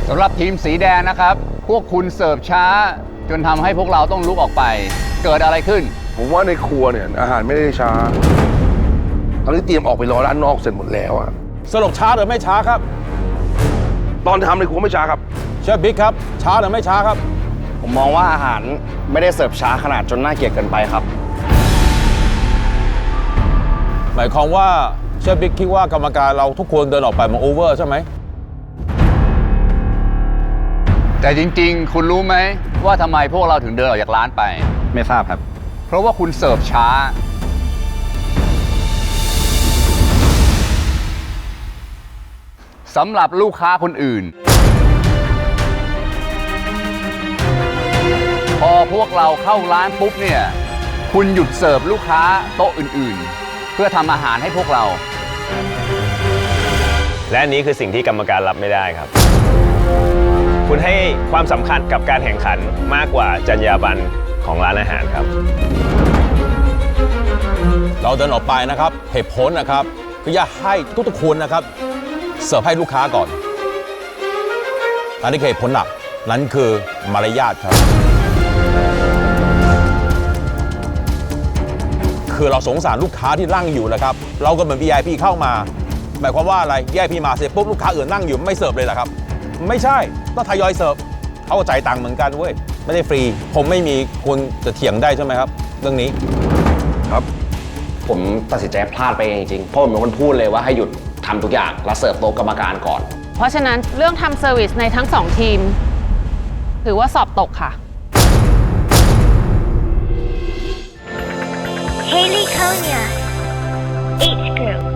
สำหรับทีมสีแดงนะครับพวกคุณเสิร์ฟช้าจนทำให้พวกเราต้องลุกออกไปเกิดอะไรขึ้นผมว่าในครัวเนี่ยอาหารไม่ได้ช้าตอนนี้เตรียมออกไปรอด้านนอกเสร็จหมดแล้วอะสรุปช้าหรือไม่ช้าครับตอนทำในครัวไม่ช้าครับเชฟบิ๊กครับช้าหรือไม่ช้าครับผมมองว่าอาหารไม่ได้เสิร์ฟช้าขนาดจนน่าเกลียดเกินไปครับหมายความว่าเชฟบิ๊กคิดว่ากรรมการเราทุกคนเดินออกไปมันโอเวอร์ใช่ไหมแต่จริงๆคุณรู้ไหมว่าทำไมพวกเราถึงเดินออกจากร้านไปไม่ทราบครับเพราะว่าคุณเสิร์ฟช้าสำหรับลูกค้าคนอื่นพอพวกเราเข้าร้านปุ๊บเนี่ยคุณหยุดเสิร์ฟลูกค้าโต๊ะอื่นๆเพื่อทำอาหารให้พวกเราและนี้คือสิ่งที่กรรมการรับไม่ได้ครับคุณให้ความสำคัญกับการแข่งขันมากกว่าจรรยาบรรณของร้านอาหารครับเราเดินออกไปนะครับเหตุผลนะครับคืออยากให้ทุกคนนะครับเสิร์ฟให้ลูกค้าก่อนอันนี้คือเหตุผลหลักนั้นคือมารยาทครับคือเราสงสารลูกค้าที่นั่งอยู่นะครับเราก็เหมือน VIP เข้ามาหมายความว่าอะไร VIP มาเสร็จปุ๊บลูกค้าอื่นนั่งอยู่ไม่เสิร์ฟเลยเหรอครับไม่ใช่ต้องทยอยเสิร์ฟเขาก็จ่ายตังค์เหมือนกันเว้ยไม่ได้ฟรีผมไม่มีคุณจะเถียงได้ใช่ไหมครับเรื่องนี้ครับผมตัดสินใจพลาดไปเองจริงๆเพราะผมเป็นคนพูดเลยว่าให้หยุดทำทุกอย่างแล้วเสิร์ฟโต๊ะกรรมการก่อนเพราะฉะนั้นเรื่องทำเซอร์วิสในทั้ง2ทีมถือว่าสอบตกค่ะ Haley Konya, H Group.